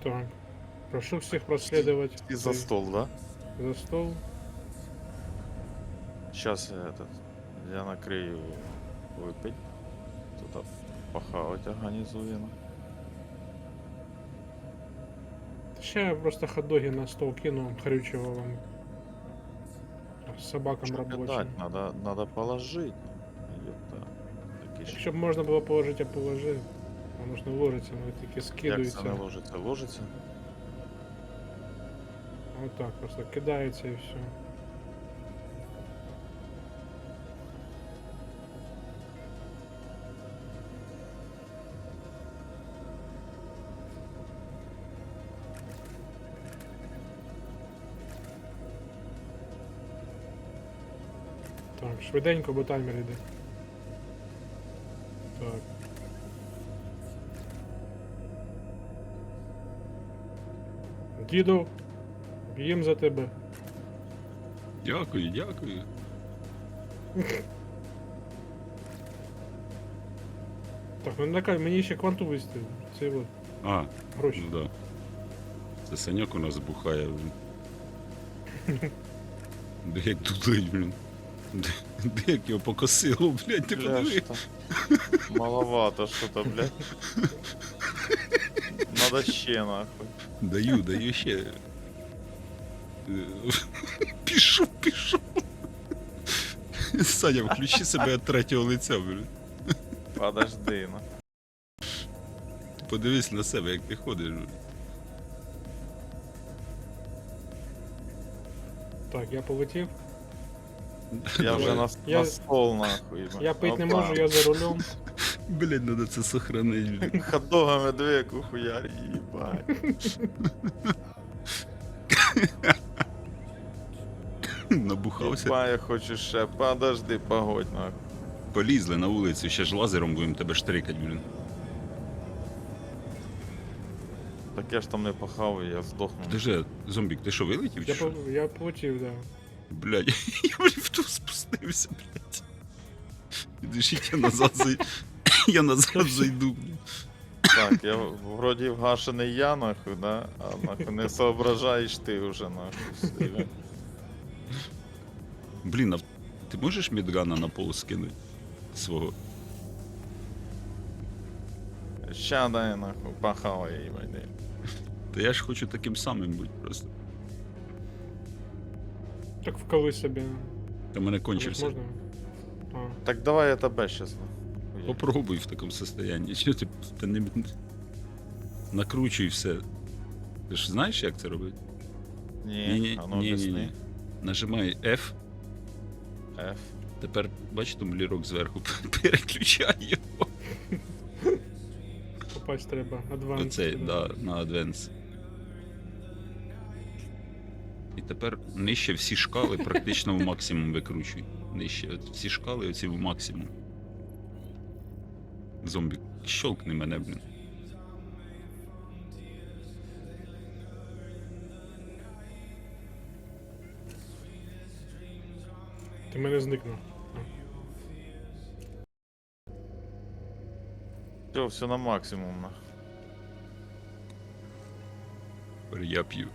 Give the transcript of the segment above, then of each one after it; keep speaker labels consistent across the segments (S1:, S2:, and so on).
S1: Так. Прошу всех проследовать.
S2: И за стол, да?
S1: За стол.
S2: Сейчас я накрию выпить. Тут похавать организуем.
S1: Сейчас я просто хот-доги на стол кину, хрючего вам. С собакам
S2: Что
S1: рабочим.
S2: кидать? Надо положить. Ёпта. Такі ж-
S1: Щоб можна було положити, я положив. Воно ж не ложиться, воно таки
S2: Як це
S1: скидується.
S2: не ложиться? Ложиться?
S1: Отак просто кидається і все. Так, швиденько, бо таймер йде. Так. Діду, їм за тебе.
S3: Дякую, дякую.
S1: Так, ну накай, мені ще кванту виставив. Це от
S3: А,
S1: гроші.
S3: ну да. Це Саньок у нас бухає, блін. Де як тулить, блін. Де як його покосило, блядь, ти
S2: Бля,
S3: подиви.
S2: что? Маловато что-то, блядь. Надо ще нахуй.
S3: Даю ще. Пішов. Саня, включи себе від третього лиця, блін.
S2: Подожди, ну.
S3: Подивись на себе, як ти ходиш, блін.
S1: Так, я полетів.
S2: Я вже на,
S1: Я-
S2: на стол нахуй. блядь.
S1: Я пить не
S2: Опа.
S1: можу, я за рулем.
S3: Блядь, надо це сохранить, блін.
S2: Хот-догами двійку хуярь, їбать.
S3: Набухався.
S2: Їбать, я хочу ще. Подожди, погодь нахуй.
S3: Полізли на вулицю, ще ж лазером будемо тебе штрикать, блін.
S2: Так я ж там не похаваю, я здохну.
S3: Подожди, зомбік, ти що, вилетів чи що?
S1: Я полетів, да.
S3: Блядь, я в ліфту спустився, блядь. Підождіть, я назад зайду, блядь.
S2: Так, я вроді вгашений я нахуй, да? А нахуй не соображаєш ти вже нахуй. Все.
S3: Блін, а ти можеш мідгана на пол скинути? Свого?
S2: Ща дай нахуй, похавай їбать. дай.
S3: Та я ж хочу таким самим бути просто.
S1: Так вколи собі.
S3: Та мене
S1: Комусь
S3: кончився.
S1: можна? А.
S2: Так давай я тебе щас. нахуй.
S3: Попробуй в такому состоянні. Чого ти та не накручуй все. Ти ж знаєш, як це робити?
S2: Ні, а ну об'ясни.
S3: Нажимай F,
S2: F.
S3: тепер бач тумблірок зверху, переключай його.
S1: Попасть треба. Адванс.
S3: Оцей, да, на Advance. І тепер нижче всі шкали практично в максимум викручуй. Нижче, от всі шкали оці в максимум. Зомбі, щолкни мене, блін.
S1: Ти мене зникнув.
S2: Все на максимум нахуй.
S3: Тепер я п'ю.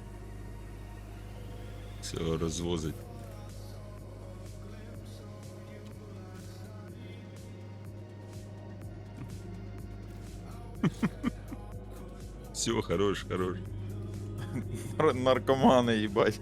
S3: Все розвозить. Все, хорош.
S2: Наркомани, їбать.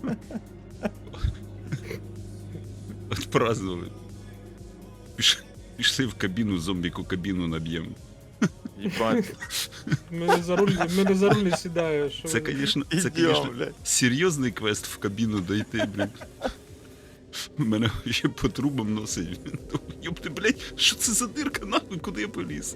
S3: Отпраздновали. Пішли в кабіну, зомбіку кабіну наб'ємо.
S2: Їбать.
S1: Мене за руль не сідає. Що
S3: Це,
S1: ви-
S3: конечно,
S2: Ідіом, блядь.
S3: серйозний квест в кабіну дойти, блін. Мене ще по трубам носить. Йопти, блядь, що це за дирка, нахуй, куди я поліз?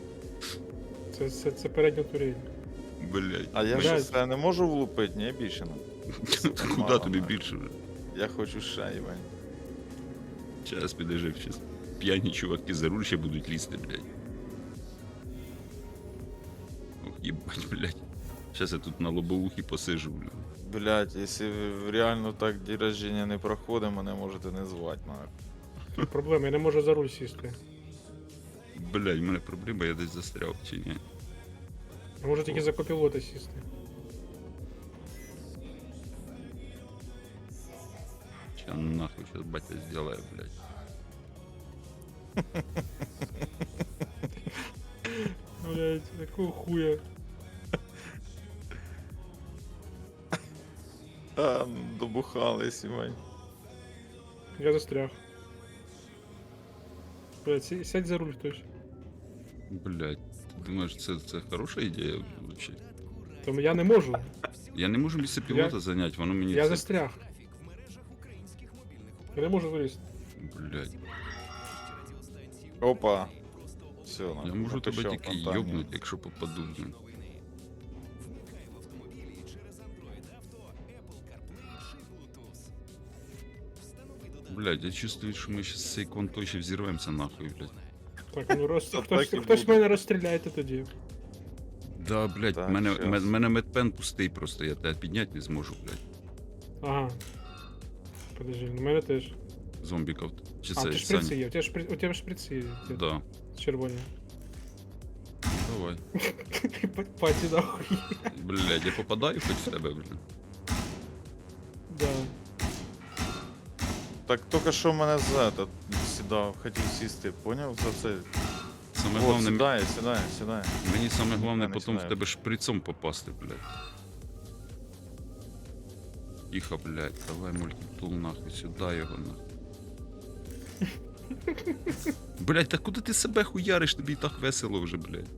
S1: Це передня турель.
S3: Блядь.
S2: А я
S1: Блядь.
S2: щось я не можу влупити, ні, більше не.
S3: Куди
S2: мало,
S3: тобі
S2: нахуй.
S3: більше вже?
S2: Я хочу ще, їбать.
S3: Зараз підожди, щас. П'яні чуваки за руль ще будуть лізти, блядь. Ох, їбать, блядь. Зараз я тут на лобовухі посижу, блядь.
S2: Блять, якщо реально так день рождения не проходить, мене можете не звати, нахуй.
S1: Тут проблема, я не можу за руль сісти.
S3: Блядь, в мене проблема, я десь застряв, чи ні?
S1: А може тільки за копілота сісти.
S3: Ща нахуй сейчас батя сделает, блядь.
S1: Блять, какого хуя?
S2: А, добухались, Івань.
S1: Я застряг. Блять, сядь за руль хтось.
S3: Блядь, ти думаєш, це хороша ідея вообще?
S1: Тому я не можу.
S3: Я не можу місце пілота зайняти, воно мені
S1: Я
S3: це...
S1: застряг. Я не можу вилізти.
S3: Блядь,
S2: Опа. Все,
S3: я можу тебе тільки йобнути, якщо попаду, блін. Блядь, я чувствую, що ми щас з цією контою ще взірвемося нахуй, блядь.
S1: Так, ну роз...
S2: Та
S1: хтось,
S2: так і
S1: хтось
S2: буде.
S1: мене розстріляйте тоді.
S3: Да, блядь,
S2: Так,
S3: мене,
S2: щас.
S3: мене медпен пустий просто, я тебе підняти не зможу, блядь.
S1: Ага. Подожди, ну мене теж.
S3: Зомбіков. Чи
S1: А,
S3: це,
S1: ти шприци є, у тебе шприци є.
S3: Да,
S1: Червоні.
S3: давай.
S1: Паті нахуй.
S3: Блядь, я попадаю хоч в тебе, блядь.
S1: Да.
S2: Так тільки що мене за этот сідав, хотів сісти, поняв? За це.
S3: Саме
S2: От,
S3: головне,
S2: сідає.
S3: мені саме головне
S2: Я не
S3: потім в
S2: сідаю.
S3: тебе шприцом попасти, блядь. Тихо, блядь, давай мультитул нахуй, сюди його нахуй. Блядь, та куди ти себе хуяриш, тобі і так весело вже, блядь.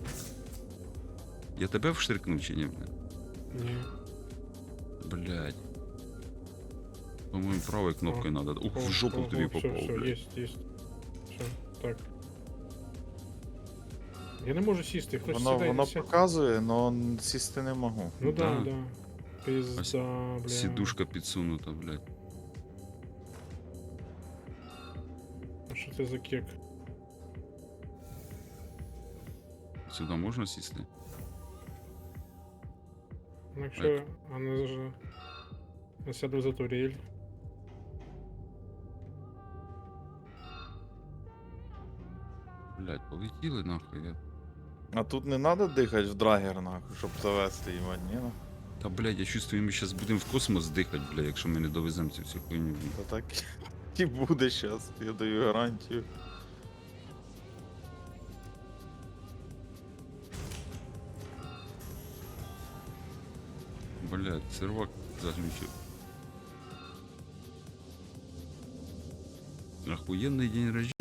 S3: Я тебе вштрикнув чи ні, блядь?
S1: Ні.
S3: Блядь. По-моєму, правою кнопкою надо. Ух, в жопу тобі попав,
S1: все,
S3: блядь.
S1: есть. Все, так. Я не можу сісти, хтось
S2: Воно
S1: сідає. Сядь.
S2: показує, але сісти не можу.
S1: Ну да,
S3: Да.
S1: да. Пизда, бля.
S3: Сідушка підсунута, блядь.
S1: А що це за кек?
S3: Сюди можна сісти?
S1: Ну якщо вона ж... Я сяду за турель.
S3: Блядь, полетіли нахуй.
S2: А тут не треба дихати в драгер, нахуй, щоб завести Іван, ні? Ну?
S3: Та, блядь, я чувствую, ми зараз будемо в космос дихати, блядь, якщо ми не довеземо цю всю хуйню. блядь.
S2: Та так і буде зараз, я даю гарантію.
S3: Блядь, сервак заглючив. Охуенный день рождения.